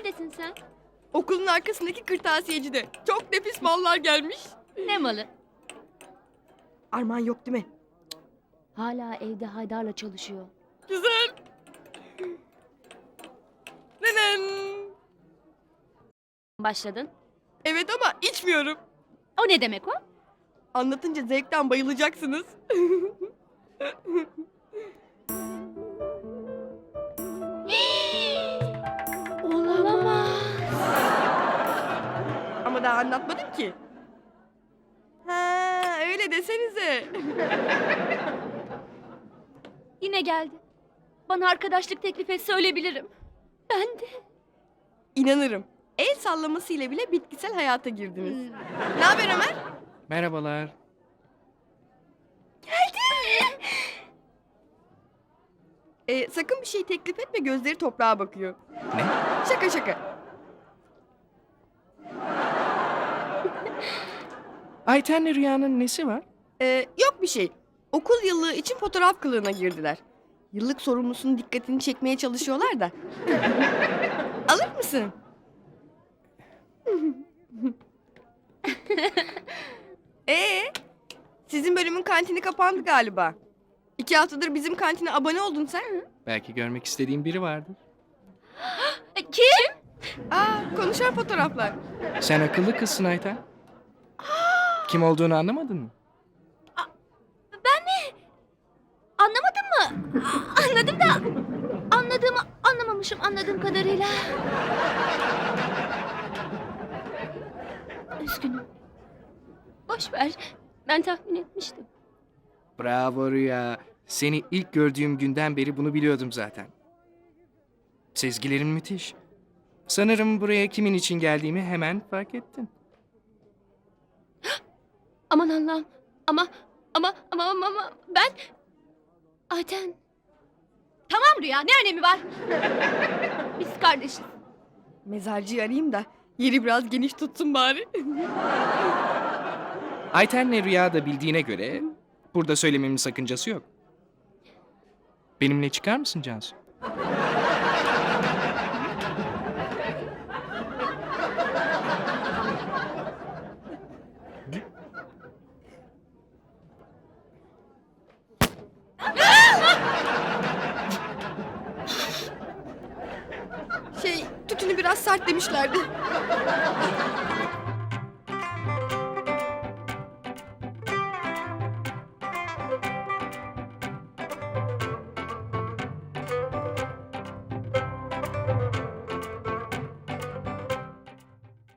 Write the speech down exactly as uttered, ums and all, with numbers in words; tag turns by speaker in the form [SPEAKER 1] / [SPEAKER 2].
[SPEAKER 1] Neredesin sen?
[SPEAKER 2] Okulun arkasındaki kırtasiyecide. Çok nefis mallar gelmiş.
[SPEAKER 1] Ne malı?
[SPEAKER 2] Armağan yok değil mi?
[SPEAKER 1] Hala evde Haydar'la çalışıyor.
[SPEAKER 2] Güzel. Nenen.
[SPEAKER 1] Başladın.
[SPEAKER 2] Evet ama içmiyorum.
[SPEAKER 1] O ne demek o?
[SPEAKER 2] Anlatınca zevkten bayılacaksınız.
[SPEAKER 1] Olamaz.
[SPEAKER 2] Ama daha anlatmadım ki. Ha, öyle desenize.
[SPEAKER 1] Yine geldi. Bana arkadaşlık teklif et söyleyebilirim. Ben de.
[SPEAKER 2] İnanırım. El sallamasıyla bile bitkisel hayata girdiniz. Ne haber Ömer?
[SPEAKER 3] Merhabalar.
[SPEAKER 2] Ee, sakın bir şey teklif etme, gözleri toprağa bakıyor.
[SPEAKER 3] Ne?
[SPEAKER 2] Şaka şaka.
[SPEAKER 3] Ayten'le Rüya'nın nesi var?
[SPEAKER 2] Ee, yok bir şey. Okul yıllığı için fotoğraf kılığına girdiler. Yıllık sorumlusunun dikkatini çekmeye çalışıyorlar da. Alır mısın? Ee, sizin bölümün kantini kapandı galiba. İki haftadır bizim kantine abone oldun sen.
[SPEAKER 3] Belki görmek istediğim biri vardır.
[SPEAKER 1] Kim?
[SPEAKER 2] Aa, konuşan fotoğraflar.
[SPEAKER 3] Sen akıllı kızsın Ayten. Kim olduğunu anlamadın mı?
[SPEAKER 1] Anlamadın mı? A- Anladım da anladığımı anlamamışım anladığım kadarıyla. Üzgünüm. Boş ver. Ben tahmin etmiştim.
[SPEAKER 3] Bravo Rüya. Seni ilk gördüğüm günden beri bunu biliyordum zaten. Sezgilerin müthiş. Sanırım buraya kimin için geldiğimi hemen fark ettin.
[SPEAKER 1] Aman Allah'ım. Ama ama ama ama, ama ben Ayten. Tamam Rüya, ne önemi var? Biz kardeşiz.
[SPEAKER 2] Mezarcıyı arayayım da yeri biraz geniş tutsun bari.
[SPEAKER 3] Ayten'le Rüya da bildiğine göre burada söylememin sakıncası yok. Benimle çıkar mısın Cansu?
[SPEAKER 2] Şey, tütünü biraz sert demişlerdi.